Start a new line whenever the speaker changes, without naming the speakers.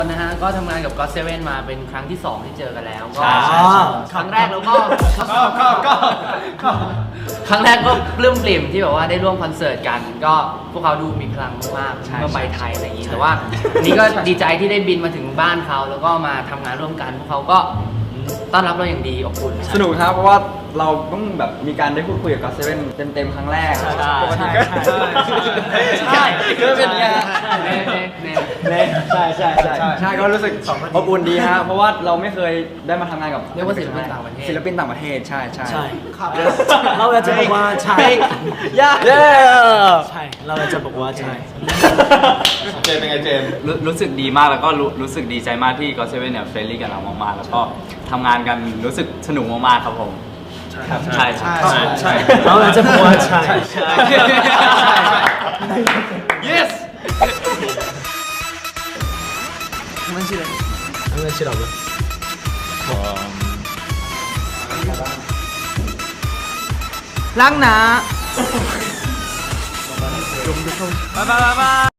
นะฮะก็ทำงานกับ GOT7 มาเป็นครั้งที่ 2 ที่เจอกันแล้วก็ ครั้งแรกแล้วก็ครั้งแรกก็ปลื้มปริ่มที่แบบว่าได้ร่วมคอนเสิร์ตกันก็พวกเขาดูมีพลังมากเมื่อไปไทยอะไรอย่างนี้แต่ว่านี่ก็ดีใจที่ได้บินมาถึงบ้านเขาแล้วก็มาทำงานร่วมกันพวกเขาก็ต้อนรับเราอย่างดีอบอุ่น
สนุกครับเพราะว่าเราต้องแบบมีการได้พูดคุยกับ GOT7 เต็มๆครั้งแรกปกติก็ใช่ก็เป็นไงใช่ก็รู้สึกอบอุ่นดีฮะเพราะว่าเราไม่เคยได้มาทำงานกับ
เรียกว่าศิลปินต่างประเทศ
ศิลปินต่างประเทศใช่
ครับเราอยากจะบอกว่าใช่ใช่เราอยากจะบอกว่าใช่
เจมเป็นไงเจม
รู้สึกดีมากแล้วก็รู้สึกดีใจมากที่ GOT7 เนี่ยเฟรนลี่กับเรามากๆแล้วก็ทำงานกันรู้สึกสนุกมากๆครับผมใช่
เราอยากจะบอกว่าใช่
yes
한번
랑나